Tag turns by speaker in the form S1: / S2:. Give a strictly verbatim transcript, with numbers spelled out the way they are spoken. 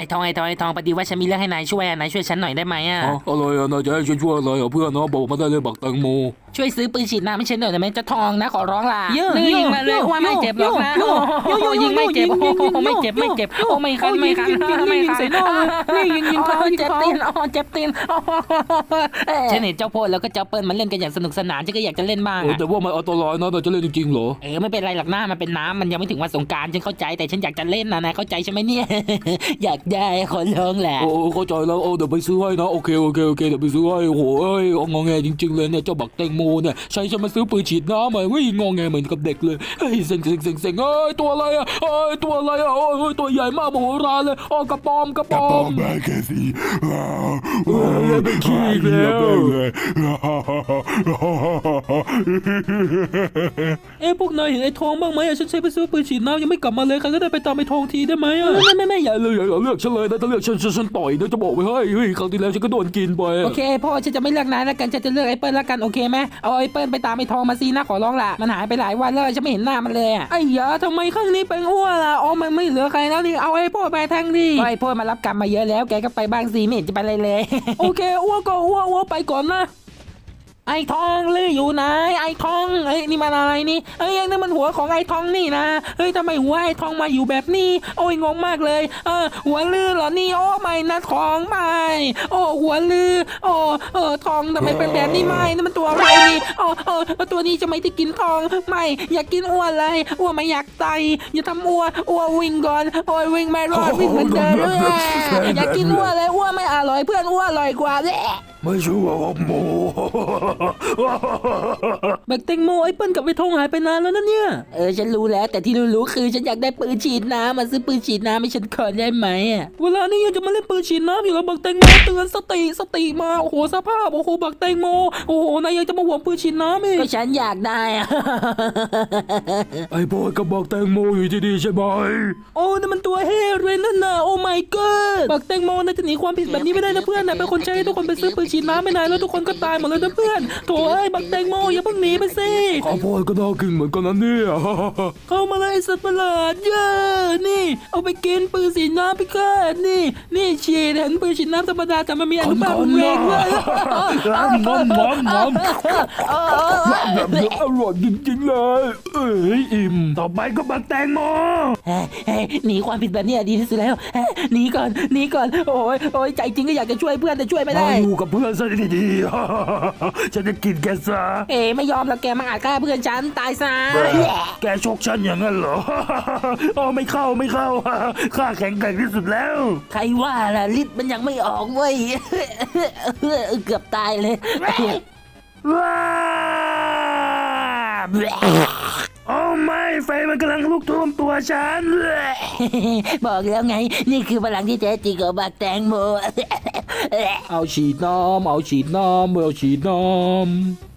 S1: อ้ทองไอ้ทองไอ้ทองพอดีว่าฉันมีเรื่องให้นายช่วยนายช่วยฉันหน่อยได้ไหมอ่ะ
S2: อะไรอ่ะนายจะให้ฉันช่วยอะไรอ่ะเพื่อนนะบอกมาได้เลยบักแตงโม
S1: ช่วยซื้อปืนฉีดน้ำให้ฉันหน่อยได้ไหมเจ้าทองนะขอร้องล่ะ
S3: เยอะยิงมาเลยว่าไม่เจ็บหรอกนะยิงไม่เจ็บโอ้ไม่เจ็บไม่เจ็บโอ้ไม่คันไม่คันไม่คันใส่นอกเลยยิงยิงเขา
S1: เจ็บ
S3: ยิงเขา
S1: ตีนอ๋อเจ็บตีนฉันเห็นเจ้าโพดแล้วก็เจ้าเปิ้ลมันเล่นกันอย่างสนุกสนานฉันก็อยากจะเล่นบ้าง
S2: แต่ว่ามันอันตรายนะนายจะเล่นจริงๆเหรอ
S1: เออไม่เป็นไรหรอกหน้ามันเป็นน้ำมันยังไม่ถึงวันสงกรานต์ฉันเข้าใจแต่ฉันอยากจะเล่นนะนายเข้าใจใช่ไหมเนี่ยอยากได้ขอร้องแหละ
S2: โอ้เข้าใจแล้วโอ้เดี๋ยวไปซื้อให้นะโอเคโอเคโอเคเดี๋ยวไปซื้อให้โอ้โหเอ้ยงอแงจริงๆเลยเนี่ยเจ้าบักแตงโมเนี่ยใช้ฉันมาซื้อปืนฉีดน้ำมาเฮ้ยงอแงเหมือนกับเด็กเลยเฮ้ยเซ็งเซ็งเซ็งเซ็งเอ้ยตัวอะไรอ่ะเอ้ยตัวอะไรอ่ะโอ้ยตัวใหญ่มากมโหฬารเลยอ๋อกระปอมกระปอม
S4: แม่แกสิ
S2: เฮ้ยเป็นขี้อีกแล้ว
S3: เอ้พวกนายเห็นไอ้ทองบ้างไหมฉันใช้ไปซื้อปืนฉีดน้ำยังไม่กลับมาเลยใครก็ได้ไปตามไอ้ทองทีได้ไหมอ่ะ
S2: ไม่ไม่ไม่อย่าเลยอย่าเลือกฉันเลยนะถ้าเลือกฉันฉันต่อยนะจะบอกไว้ให้เฮ้ยครั้งที่แล้วฉันก็โดนกินไป
S1: โอเคพ่อฉันจะไม่เลือกนายแล้วกันฉันจะเลือกไอ้เปิ้ลแล้วกันโอเคไหมเอาไอ้เปิ้ลไปตามไอ้ทองมาซีนะขอร้องล่ะมันหายไปหลายวันแล้วฉันไม่เห็นหน้ามันเลยอ่ะ
S3: ไอ้ยาทำไมข้างนี้เป็นอ้วนล่ะอ๋อมันไม่เหลือใครแล้วนี่เอาไอ้พ่อไปแทงดิ
S1: ไอ้พ่อมารับกรรมมาเยอะแล้วแกก็ไปบ้างสิไม่เห็นจะไปเลยเลย
S3: โอเคอ้วนก็อ้วนอ้วนไปก่อนนะ
S1: ไอ้ทองลืออยู่ไหนไอ้ทองเอ้ยนี่มันอะไรนี่เอ้ยนี่มันหัวของไอ้ทองนี่นะเฮ้ยทำไมหัวไอ้ทองมาอยู่แบบนี้โอ้ยงงมากเลยเออหัวลือเหรอนี่โอ้ไม่นะทองไม่โอ้หัวลือโอ้เออทองทำไมเป็นแบบนี้ไม่นี่มันตัวอะไรนี่โอ้เออตัวนี้จะไม่ได้กินทองไม่อยากกินอ้วนเลยอ้วนไม่อยากตายอย่าทำอ้วนอ้วนวิ่งก่อนโอ้ยวิ่งไม่รอดวิ่งเหมือนเดิมเลยอยากกินอ้วนเลยอ้วนไม่อร่อยเพื่อนอ้วนอร่อยกว่าแหละ
S2: ไม่ชัวร์ว่าโม
S3: แบกแตงโมไอ้เปิ้ลกับไอ้ทองหายไปนานแล้วนะเนี่ย
S1: เออฉันรู้แล้วแต่ที่รู้ๆคือฉันอยากได้ปืนฉีดน้ำมาซื้อปืนฉีดน้ำให้ฉันก่อนได้ไหมอ่ะ
S3: เวลานี้ยังจะมาเล่นปืนฉีดน้ำอยู่แล้วบักแตงโมเตือนสติสติมาโอ้โหสภาพโอ้โหบักแตงโมโอ้โหนายยังจะมาหวงปืนฉีดน้ำอีก
S1: ก็ฉันอยากได้อ่ะ
S2: ไอ้บอยกับบักแตงโมอยู่ที่นี่ใช่ไหม
S3: โอ้นั่นมันตัวเฮเรนนั่นน่ะโอ้ my god บักแตงโมนายจะหนีความผิดแบบนี้ไม่ได้นะเพื่อนนายเป็นคนใช้ให้ทุกคนไปซื้อปืนฉีดน้ำไม่นายแล้วทุกคนก็ตายหมดเลยนะเพื่อนโถ่เอ้ยบักแตงโมอย่าเพิ่งหนีไปสิ
S2: ข้าวโพดก็น่ากินเหมือนกันนะเนี่ย
S3: เข้ามาเลยสัตว์ประหลาดเยอะนี่เอาไปกินปืนฉีดน้ำพี่ข้านี่นี่ฉีดเห็นปืนฉีดน้ำธรรมดาแต่มันมีอนุภาครุนแรงด้วย
S2: น้ำน้ำน้ำน้ำอร่อยจริงๆเลยเอ้ยอิ่มต่อไปก็บักแตงโม
S1: หนีความผิดแบบนี้ดีที่สุดแล้วหนีก่อนหนีก่อนโอ้ยโอ้ยใจจริงก็อยากจะช่วยเพื่อนแต่ช่วยไม่ได้
S2: อยู่กับเพื่อนซะดีๆฉันจะกินแกซะ
S1: เอ๋ไม่ยอมแล้วแกมาอาจฆ่าเพื่อนฉันตายซะ
S2: แกชกฉันอย่างนั้นเหรอโอ้ไม่เข้าไม่เข้าข้าแข็งแกร่งที่สุดแล้ว
S1: ใครว่าล่ะฤทธิ์มันยังไม่ออกเว้ยเกือบตายเลย
S2: ว้าโอ้ไม่ไฟมันกำลังลุกท่วมตัวฉัน
S1: บอกแล้วไงนี่คือพลังที่แท้จริงของบักแตงโม
S2: เอาฉีดน้ำเอาฉีดน้ำเอาฉีดน้ำ